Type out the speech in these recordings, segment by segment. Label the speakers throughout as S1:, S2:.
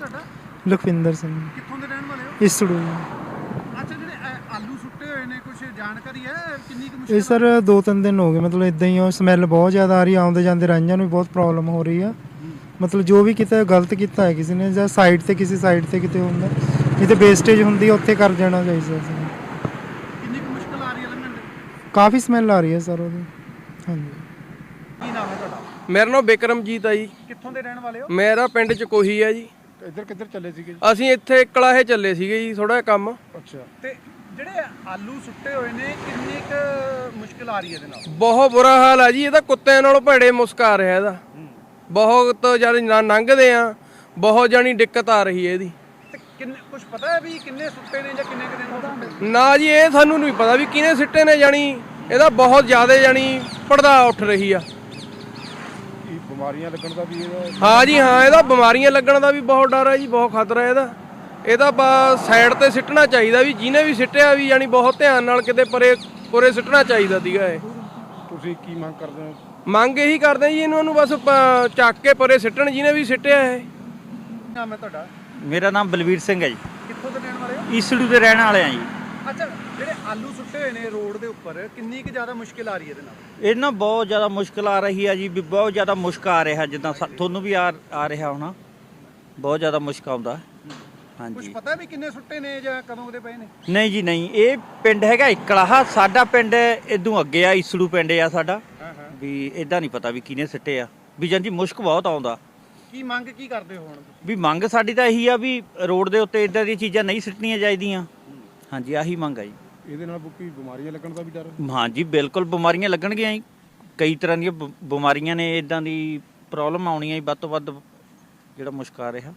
S1: ਤੁਹਾਡਾ?
S2: ਲਖਵਿੰਦਰ ਸਿੰਘ।
S1: ਕਿੱਥੋਂ ਦੇ ਰਹਿਣ ਵਾਲੇ ਹੋ?
S2: ਇਸੜੂ।
S1: ਅੱਛਾ, ਜਿਹੜੇ ਆਲੂ ਸੁੱਟੇ ਹੋਏ ਨੇ, ਕੁਝ ਜਾਣਕਾਰੀ ਹੈ ਕਿੰਨੀ ਕੁ
S2: ਇਹ
S1: ਮੁਸ਼ਕਿਲ
S2: ਸਰ 2-3 ਦਿਨ ਹੋ ਗਏ, ਮਤਲਬ ਇਦਾਂ ਹੀ ਉਹ ਸਮੈਲ ਬਹੁਤ ਜ਼ਿਆਦਾ ਆ ਰਹੀ, ਆਉਂਦੇ ਜਾਂਦੇ ਰਾਂਝਾਂ ਨੂੰ ਵੀ ਬਹੁਤ ਪ੍ਰੋਬਲਮ ਹੋ ਰਹੀ ਆ। ਮਤਲਬ ਜੋ ਵੀ ਕੀਤਾ ਗਲਤ ਕੀਤਾ ਹੈ ਕਿਸੇ ਨੇ, ਜਾਂ ਸਾਈਡ ਤੇ ਕਿਸੇ ਸਾਈਡ ਤੇ ਕਿਤੇ ਹੁੰਦਾ, ਜਿੱਥੇ ਵੇਸਟੇਜ ਹੁੰਦੀ ਹੈ ਉੱਥੇ ਕਰ ਜਾਣਾ ਚਾਹੀਦਾ ਸੀ।
S1: ਕਿੰਨੀ ਕੁ ਮੁਸ਼ਕਿਲ ਆ ਰਹੀ ਹੈ ਲੰਘਣ ਦੀ?
S2: ਕਾਫੀ ਸਮੈਲ ਆ ਰਹੀ ਹੈ ਸਰ ਉਹਦੀ। ਹਾਂਜੀ।
S1: ਕੀ ਨਾਮ ਹੈ ਤੁਹਾਡਾ?
S3: ਮੇਰਾ ਨਾਮ ਬਿਕਰਮਜੀਤ ਆ ਜੀ।
S1: ਕਿੱਥੋਂ ਦੇ ਰਹਿਣ ਵਾਲੇ ਹੋ?
S3: ਮੇਰਾ ਪਿੰਡ ਚ ਕੋਹੀ ਆ ਜੀ।
S1: ਇੱਧਰ ਕਿੱਧਰ ਚੱਲੇ ਸੀਗੇ?
S3: ਅਸੀਂ ਇੱਥੇ ਕਲਾਹੇ ਚੱਲੇ ਸੀਗੇ ਜੀ, ਥੋੜਾ ਜਿਹਾ ਕੰਮ।
S1: ਅੱਛਾ, ਤੇ ਜਿਹੜੇ ਆਲੂ ਸੁੱਟੇ ਹੋਏ ਨੇ, ਕਿੰਨੀ ਕੁ ਮੁਸ਼ਕਿਲ ਆ ਰਹੀ ਹੈ ਇਹਦੇ ਨਾਲ?
S3: ਬਹੁਤ ਬੁਰਾ ਹਾਲ ਆ ਜੀ, ਇਹਦਾ ਕੁੱਤਿਆਂ ਨਾਲੋਂ ਭੈੜੇ ਮੁਸਕ ਆ ਰਿਹਾ ਇਹਦਾ। ਬਹੁਤ ਜਦ ਲੰਘਦੇ ਆ, ਬਹੁਤ ਜਾਣੀ ਦਿੱਕਤ ਆ ਰਹੀ ਹੈ ਇਹਦੀ।
S1: ਤੇ ਕਿੰਨੇ ਕੁਝ ਪਤਾ ਹੈ ਵੀ ਕਿੰਨੇ ਸੁੱਟੇ ਨੇ ਜਾਂ ਕਿੰਨੇ ਕੁ ਦਿਨ ਹੋ ਸੁੱਟੇ?
S3: ਨਾ ਜੀ, ਇਹ ਸਾਨੂੰ ਨਹੀਂ ਪਤਾ ਵੀ ਕਿਹਨੇ ਸਿੱਟੇ ਨੇ, ਜਾਣੀ ਇਹਦਾ ਬਹੁਤ ਜ਼ਿਆਦਾ ਜਾਣੀ ਪੜਦਾ ਉੱਠ ਰਹੀ ਆ।
S1: ਬਿਮਾਰੀਆਂ ਲੱਗਣ ਦਾ ਵੀ ਇਹਦਾ?
S3: ਹਾਂ ਜੀ ਹਾਂ, ਇਹਦਾ ਬਿਮਾਰੀਆਂ ਲੱਗਣ ਦਾ ਵੀ ਬਹੁਤ ਡਰ ਹੈ ਜੀ, ਬਹੁਤ ਖਤਰਾ ਇਹਦਾ। ਇਹਦਾ ਸਾਈਡ ਤੇ ਸਿੱਟਣਾ ਚਾਹੀਦਾ, ਵੀ ਜਿਹਨੇ ਵੀ ਸਿੱਟਿਆ ਵੀ ਜਾਣੀ ਬਹੁਤ ਧਿਆਨ ਨਾਲ ਕਿਤੇ ਪਰੇ ਸਿੱਟਣਾ ਚਾਹੀਦਾ ਸੀਗਾ ਇਹ।
S1: ਤੁਸੀਂ ਕੀ ਮੰਗ ਕਰਦੇ ਹੋ?
S3: ਮੰਗ ਇਹੀ ਕਰਦੇ ਜੀ, ਇਹਨਾਂ ਨੂੰ ਬਸ ਚੱਕ ਕੇ ਪਰੇ ਸਿੱਟਣ ਜਿਹਨੇ ਵੀ ਸਿੱਟਿਆ ਇਹ।
S1: ਕੀ ਨਾਮ ਹੈ ਤੁਹਾਡਾ?
S4: ਮੇਰਾ ਨਾਮ ਬਲਵੀਰ ਸਿੰਘ ਹੈ ਜੀ।
S1: ਕਿੱਥੋਂ ਦੇ ਰਹਿਣ ਵਾਲੇ ਹੋ?
S4: ਈਸੜੂ ਦੇ ਰਹਿਣ ਵਾਲੇ ਆ ਜੀ।
S1: ਅੱਛਾ, ਜਿਹੜੇ ਆਲੂ ਸੁੱਟੇ ਹੋਏ ਨੇ ਰੋਡ ਦੇ ਉੱਪਰ, ਕਿੰਨੀ ਕੁ ਜ਼ਿਆਦਾ ਮੁਸ਼ਕਿਲ ਆ ਰਹੀ ਹੈ ਇਹਦੇ ਨਾਲ?
S4: ਇਹ ਨਾ ਬਹੁਤ ਜ਼ਿਆਦਾ ਮੁਸ਼ਕਲ ਆ ਰਹੀ ਹੈ ਜੀ, ਵੀ ਬਹੁਤ ਜ਼ਿਆਦਾ ਮੁਸ਼ਕ ਆ ਰਿਹਾ, ਜਿੱਦਾਂ ਤੁਹਾਨੂੰ ਵੀ ਆ ਰਿਹਾ ਹੋਣਾ, ਬਹੁਤ ਜ਼ਿਆਦਾ ਮੁਸ਼ਕ ਆਉਂਦਾ।
S1: ਕੁਝ
S4: ਹਾਂਜੀ।
S1: ਪਤਾ ਵੀ ਕਿੰਨੇ ਸੁੱਟੇ ਨੇ ਜਾਂ ਕਦੋਂ ਦੇ ਪਏ ਨੇ?
S4: ਨਹੀਂ ਜੀ ਨਹੀਂ, ਇਹ ਪਿੰਡ ਹੈਗਾ ਇਕਲਾਹਾ, ਸਾਡਾ ਪਿੰਡ ਇਦੋਂ ਅੱਗੇ ਆ, ਈਸੜੂ ਪਿੰਡ ਆ ਸਾਡਾ। ਵੀ ਇਦਾਂ ਨਹੀਂ ਪਤਾ ਵੀ ਕਿਹਨੇ ਸਿੱਟੇ ਆ, ਵੀ ਜੀ ਮੁਸ਼ਕ ਬਹੁਤ ਆਉਂਦਾ।
S1: ਕੀ ਮੰਗ ਕੀ ਕਰਦੇ ਹੋ ਹੁਣ?
S4: ਵੀ ਮੰਗ ਸਾਡੀ ਤਾਂ ਇਹੀ ਆ ਵੀ ਰੋਡ ਦੇ ਉੱਤੇ ਇਦਾਂ ਦੀਆਂ ਚੀਜ਼ਾਂ ਨਹੀਂ ਸਿੱਟਣੀਆਂ ਚਾਹੀਦੀਆਂ। ਹਾਂਜੀ, ਆਹੀ ਮੰਗ ਆ ਜੀ।
S1: ਇਹਦੇ ਨਾਲ ਕੋਈ ਬਿਮਾਰੀਆਂ ਲੱਗਣ ਦਾ ਵੀ ਡਰ?
S4: ਹਾਂਜੀ, ਬਿਲਕੁਲ ਬਿਮਾਰੀਆਂ ਲੱਗਣਗੀਆਂ ਜੀ, ਕਈ ਤਰ੍ਹਾਂ ਦੀਆਂ ਬਿਮਾਰੀਆਂ ਨੇ, ਇਦਾਂ ਦੀ ਪ੍ਰੋਬਲਮ ਆਉਣੀ ਹੈ ਵੱਧ ਤੋਂ ਵੱਧ, ਜਿਹੜਾ ਮੁਸ਼ਕ ਆ ਰਿਹਾ।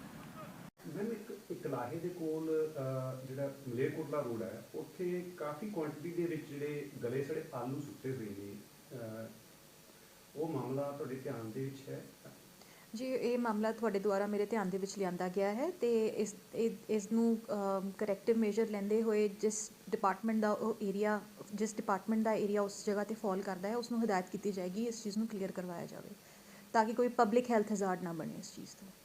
S5: ਕਲਾਹੇ ਦੇ ਕੋਲ ਜਿਹੜਾ ਮਲੇਰਕੋਟਲਾ ਰੋਡ ਹੈ, ਉੱਥੇ ਕਾਫੀ ਕੁਆਂਟੀਟੀ ਦੇ ਵਿੱਚ ਜਿਹੜੇ ਗਲੇ ਸੜੇ ਆਲੂ ਸੁੱਟੇ ਹੋਏ ਨੇ, ਉਹ ਮਾਮਲਾ ਤੁਹਾਡੇ ਧਿਆਨ ਦੇ ਵਿੱਚ ਹੈ?
S6: ਜੀ, ਇਹ ਮਾਮਲਾ ਤੁਹਾਡੇ ਦੁਆਰਾ ਮੇਰੇ ਧਿਆਨ ਦੇ ਵਿੱਚ ਲਿਆਂਦਾ ਗਿਆ ਹੈ, ਤੇ ਇਸ ਨੂੰ ਕਰੈਕਟਿਵ ਮੇਜਰ ਲੈਂਦੇ ਹੋਏ ਜਿਸ ਡਿਪਾਰਟਮੈਂਟ ਦਾ ਏਰੀਆ ਉਸ ਜਗ੍ਹਾ ਤੇ ਫਾਲ ਕਰਦਾ ਹੈ, ਉਸ ਨੂੰ ਹਦਾਇਤ ਕੀਤੀ ਜਾਏਗੀ ਇਸ ਚੀਜ਼ ਨੂੰ ਕਲੀਅਰ ਕਰਵਾਇਆ ਜਾਵੇ, ਤਾਂ ਕਿ ਕੋਈ ਪਬਲਿਕ ਹੈਲਥ ਹਜ਼ਾਰਡ ਨਾ ਬਣੇ ਇਸ ਚੀਜ਼ ਤੋਂ।